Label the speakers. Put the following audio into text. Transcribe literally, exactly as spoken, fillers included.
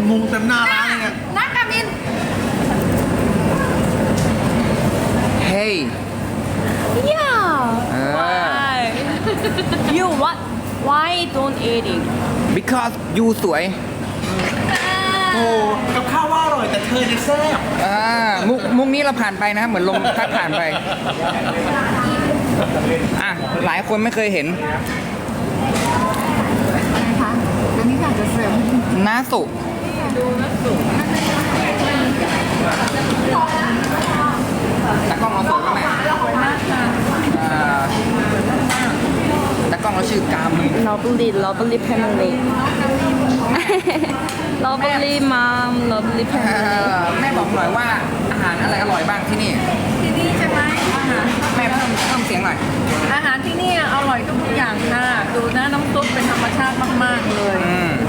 Speaker 1: มุงเต็มหน้าร้านเลยไง
Speaker 2: นักกามิน
Speaker 3: เฮ้ย
Speaker 2: yeah
Speaker 3: เออ
Speaker 2: why you what why don't eat it
Speaker 3: because you สวย
Speaker 1: โอ้กับข้าวว่าอร่อยแต่เธอเนี่ยแซ่บ
Speaker 3: อ่ามุกมุกนี้เราผ่านไปนะ เหมือนลมพัดผ่านไป อ่ะ หลายคนไม่เคยเห็น
Speaker 2: นะคะอันนี้อยากจะเสริม
Speaker 3: น้าสุตากล้องเราสวยไหมอ่าตากล้องเราชื่อกามิน
Speaker 2: lovely lovely family lovely mom lovely
Speaker 3: เอ่
Speaker 2: family
Speaker 3: อแม่บอกหน่อยว่าอาหารอะไรอร่อยบ้างที่นี่
Speaker 4: ที่นี่ใช่ไหมอาหาร
Speaker 3: แม่เพิ่มเพิ่มเสียงหน่อย
Speaker 4: อาหารที่นี่อร่อยทุกอย่างค่ะดูนะน้ำซุปเป็นธรรมชาติมากๆเลย
Speaker 3: อืม